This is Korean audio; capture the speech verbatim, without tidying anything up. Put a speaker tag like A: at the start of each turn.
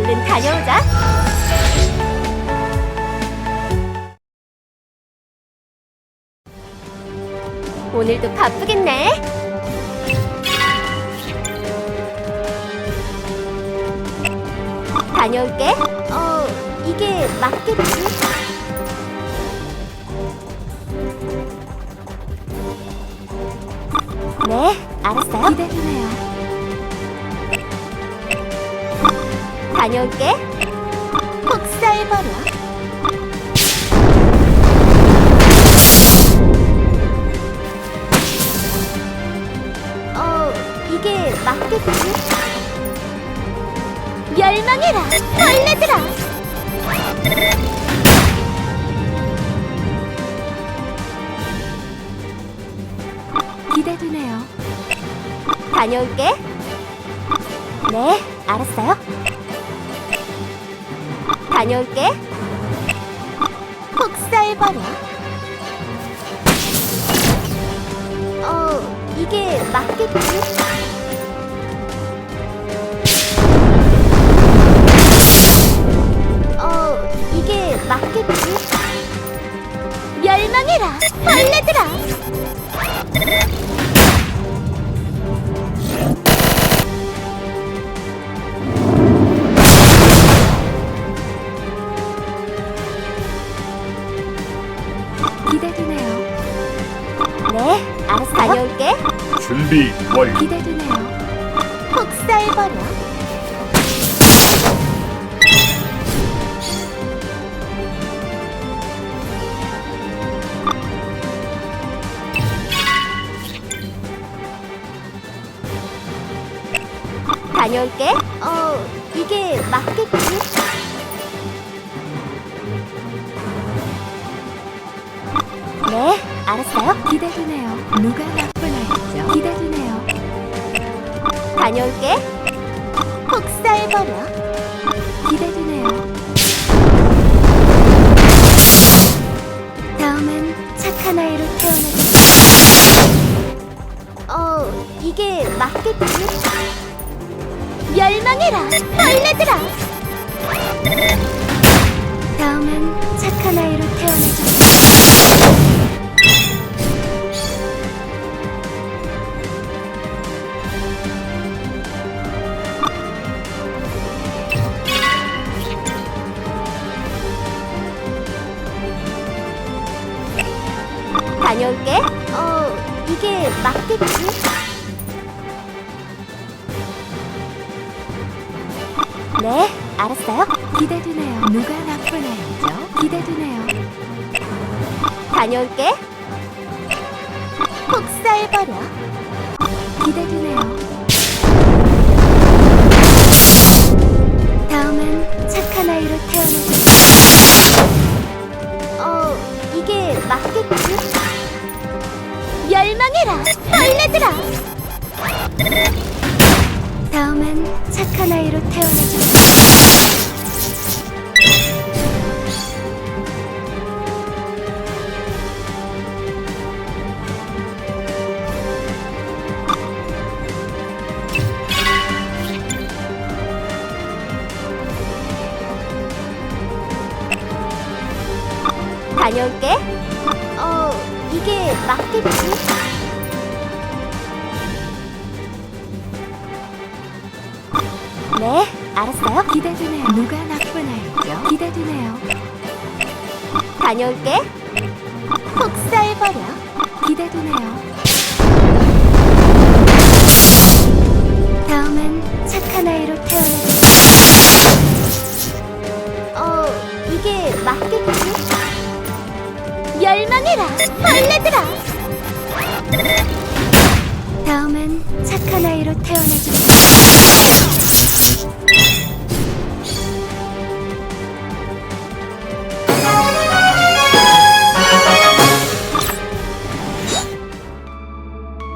A: 얼른 다녀오자. 오늘도 바쁘겠네. 다녀올게. 어, 이게 맞겠지? 네, 알았어요.
B: 기대되네요.
A: 다녀올게. 폭살버려. 어, 이게 맞겠지? 멸망해라, 벌레들아!
B: 기대되네요.
A: 다녀올게. 네, 알았어요. 다녀올게. 폭살버려. 어, 이게 맞겠지? 어, 이게 맞겠지? 멸망해라, 벌레들아!
B: 기대되네요.
A: 네, 알았어. 다녀올게.
C: 준비 완료.
B: 기대되네요.
A: 폭살버려. 다녀올게. 어, 이게 맞겠지? 네, 알았어요.
B: 기대되네요. 누가 나쁜 아이죠? 기대되네요.
A: 다녀올게. 폭살버려.
B: 기대되네요. 다음엔 착한 아이로 태어나겠습니다.
A: 어, 이게 맞겠지? 멸망해라, 벌레들아!
B: 다음엔 착한 아이로 태어나겠습니다.
A: 다녀올게. 어, 이게 맞겠지? 네, 알았어요.
B: 기대되네요. 누가 나쁜 아이죠? 기대되네요.
A: 다녀올게. 폭살버려.
B: 기대되네요. 다음엔 착한 아이로 태어나겠습니다.
A: 어, 이게 맞겠지? 멸망해라, 벌레들아!
B: 다음엔 착한 아이로 태어나겠습니다.
A: 다녀올게. 어, 이게 맞겠지? 네, 알았어요.
B: 기대되네요. 누가 나쁜 아이죠? 기대되네요.
A: 다녀올게. 폭살버려.
B: 기대되네요. 다음엔 착한 아이로 태어나겠습니다.
A: 어, 이게 맞겠지? 멸망해라, 벌레들아!
B: 다음엔 착한 아이로 태어나겠습니다.